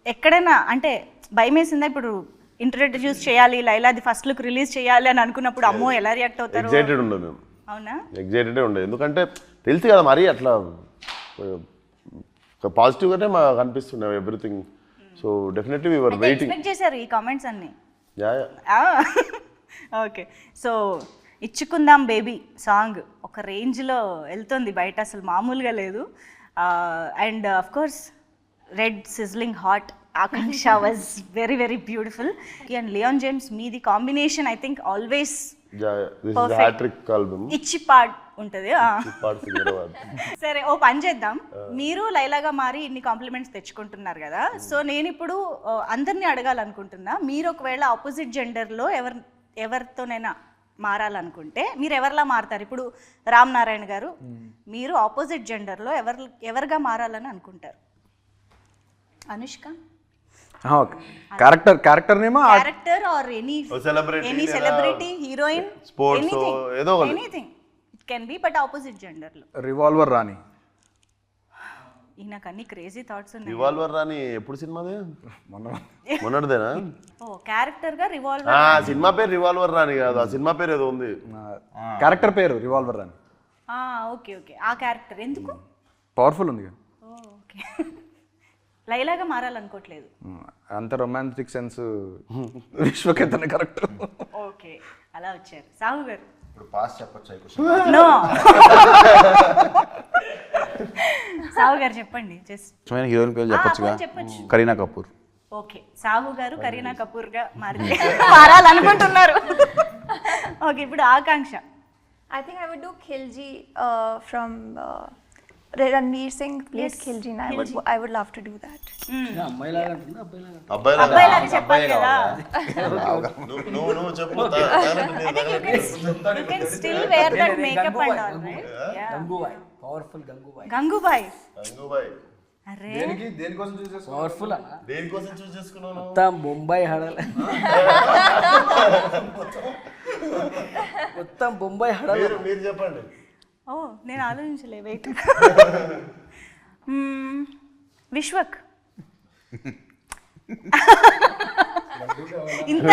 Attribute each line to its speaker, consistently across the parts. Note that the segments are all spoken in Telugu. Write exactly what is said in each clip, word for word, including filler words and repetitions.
Speaker 1: ఎక్కడైనా అంటే భయం వేసిందా ఇప్పుడు ఇంట్రడ్యూస్ చేయాలి లైలాది ఫస్ట్ లుక్ రిలీజ్ చేయాలి అని అనుకున్నప్పుడు అమ్మో ఎలా రియాక్ట్ అవుతారు?
Speaker 2: ఎగ్జైటెడ్ ఉండదు మేము.
Speaker 1: అవునా?
Speaker 2: ఎగ్జైటెడే ఉండదు, ఎందుకంటే తెలుసు కదా మరి అట్లా పాజిటివ్గానే మాకు అనిపిస్తుండే everything. So definitely we were waiting.
Speaker 1: Expect చేశారు ఈ కామెంట్స్ అన్ని?
Speaker 2: Yeah yeah.
Speaker 1: ఓకే, సో ఇచ్చుకుందాం బేబీ సాంగ్ ఒక రేంజ్లో వెళ్తుంది బయట, అసలు మామూలుగా లేదు. And of course red sizzling hot Akanksha was very very beautiful. And Leon James మీది combination I think always
Speaker 2: hattrick album
Speaker 1: ఇచ్చి పాడ్ ఉంటుంది.
Speaker 2: పాడ్ సికింద్రాబాద్.
Speaker 1: సరే ఓ పని చేద్దాం, మీరు లైలాగా మారి ఇన్ని కాంప్లిమెంట్స్ తెచ్చుకుంటున్నారు కదా, సో నేను ఇప్పుడు అందరినీ అడగాలనుకుంటున్నా, మీరు ఒకవేళ ఆపోజిట్ జెండర్లో ఎవరి ఎవరితోనైనా మారాలనుకుంటే మీరు ఎవరిలా మారుతారు? ఇప్పుడు రామ్ నారాయణ గారు, మీరు ఆపోజిట్ జెండర్లో ఎవరు ఎవరిగా మారాలని అనుకుంటారు? అనుష్క
Speaker 3: క్యారెక్టర్ క్యారెక్టర్ నేమా
Speaker 1: character or any
Speaker 2: celebrity
Speaker 1: any celebrity heroine
Speaker 2: sports ఏదో ఒకటి,
Speaker 1: anything it can be, but opposite జెండర్లో.
Speaker 3: రివాల్వర్ రాణి.
Speaker 1: ఈయనకు అన్ని క్రేజీ థాట్స్ ఉన్నాయి.
Speaker 2: రివాల్వర్ రాని ఎప్పుడు సినిమాదే?
Speaker 3: మొన్న
Speaker 2: మొన్నటిదేనా?
Speaker 1: ఓ క్యారెక్టర్ గా రివాల్వర్.
Speaker 2: ఆ సినిమా పేరు రివాల్వర్ రాని కాదు, ఆ సినిమా పేరు ఏదో ఉంది.
Speaker 3: క్యారెక్టర్ పేరు రివాల్వర్ రాణి.
Speaker 1: ఓకే ఓకే, ఆ క్యారెక్టర్ ఎందుకు?
Speaker 3: పవర్ఫుల్ ఉంది.
Speaker 1: ఓకే, లైలాగా మారాలనుకోవట్లేదు.
Speaker 3: అంత రొమాంటిక్ సెన్స్ విశ్వకేతనే కరెక్ట్.
Speaker 1: ఓకే, అలా వచ్చారు. సాహు గారు
Speaker 4: ఇప్పుడు పాస్ చెప్పొచ్చు.
Speaker 1: నో సాహు గారు చెప్పండి. జస్ట్
Speaker 4: హీరోయిన్ పేరు చెప్పొచ్చుగా,
Speaker 1: చెప్పొచ్చు.
Speaker 4: కరీనా కపూర్.
Speaker 1: ఓకే, సాహు గారు కరీనా కపూర్ గా మారి మారాలనుకుంటున్నారు. ఓకే, ఇప్పుడు ఆకాంక్ష.
Speaker 5: I think I would do Khilji uh, from uh, Ranveer Singh played
Speaker 1: Yes,
Speaker 5: Khilji, and I would I would love to do that.
Speaker 2: అబ్బాయి
Speaker 1: అబ్బాయిలాగా చెప్పాలి కదా.
Speaker 2: నువ్వు నువ్వు చెప్పు.
Speaker 1: I think you can you can still wear that makeup and all, right? Yeah.
Speaker 6: Gangubai, powerful Gangubai.
Speaker 1: Gangubai.
Speaker 2: Gangubai
Speaker 1: అరే
Speaker 3: దేనికి దేనికోసం చూస్ చేసుకున్నావు?
Speaker 6: పవర్ఫుల్ అన్న.
Speaker 2: దేనికోసం చూస్ చేసుకున్నావు?
Speaker 6: మొత్తం బొంబాయి హడల్. మొత్తం బొంబాయి హడల్.
Speaker 2: మీరు మీరు చెప్పండి.
Speaker 1: ఓ నేను ఆలోచించలే, వెయిట్. విశ్వక్. ఇంత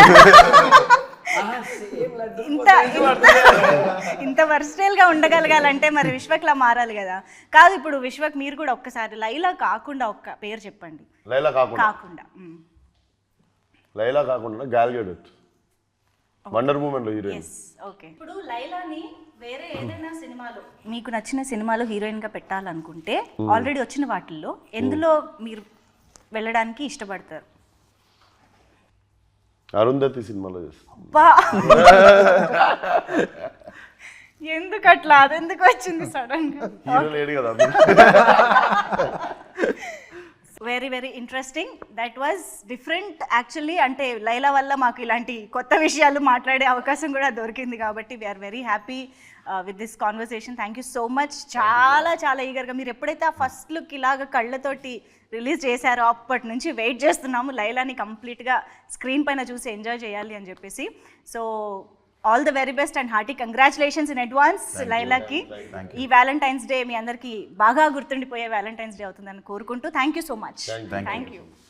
Speaker 1: ఇంత ఇంత వర్స్టైల్ గా ఉండగలగాలంటే మరి విశ్వక్లా మారాలి కదా. కాదు, ఇప్పుడు విశ్వక్ మీరు కూడా ఒక్కసారి లైలా కాకుండా ఒక్క పేరు చెప్పండి.
Speaker 2: లైలా కాకుండా
Speaker 1: కాకుండా మ్మ్.
Speaker 2: లైలా కాకుండా గాల్ గెడెట్, వండర్ ఉమెన్ లో హీరోయిన్.
Speaker 1: ఓకే, ఇప్పుడు లైలాని వేరే ఏదైనా సినిమాలో మీకు నచ్చిన సినిమాలో హీరోయిన్ గా పెట్టాలనుకుంటే ఆల్రెడీ వచ్చిన వాటిల్లో ఎందులో మీరు వెళ్ళడానికి ఇష్టపడతారు?
Speaker 2: అరుంధతి సినిమాలో చేస్తాను.
Speaker 1: అబ్బా, ఎందుకు అట్లా, అదెందుకు వచ్చింది సడన్ గా?
Speaker 2: హీరో లేడు కదా.
Speaker 1: Very very interesting, that was different actually. అంటే లైలా వల్ల మాకు ఇలాంటి కొత్త విషయాలు మాట్లాడే అవకాశం కూడా దొరికింది కాబట్టి we're very happy with this conversation. Thank you so much. చాలా చాలా ఈగర్గా మీరు ఎప్పుడైతే ఆ ఫస్ట్ లుక్ ఇలాగ కళ్ళతోటి రిలీజ్ చేశారో అప్పటి నుంచి వెయిట్ చేస్తున్నాము లైలాని కంప్లీట్గా స్క్రీన్ పైన చూసి ఎంజాయ్ చేయాలి అని చెప్పేసి. So all the very best and hearty congratulations in advance లైలాకి. ఈ వ్యాలంటైన్స్ డే మీ అందరికీ బాగా గుర్తుండిపోయే వ్యాలంటైన్స్ డే అవుతుందని కోరుకుంటూ thank you so much. Thank you.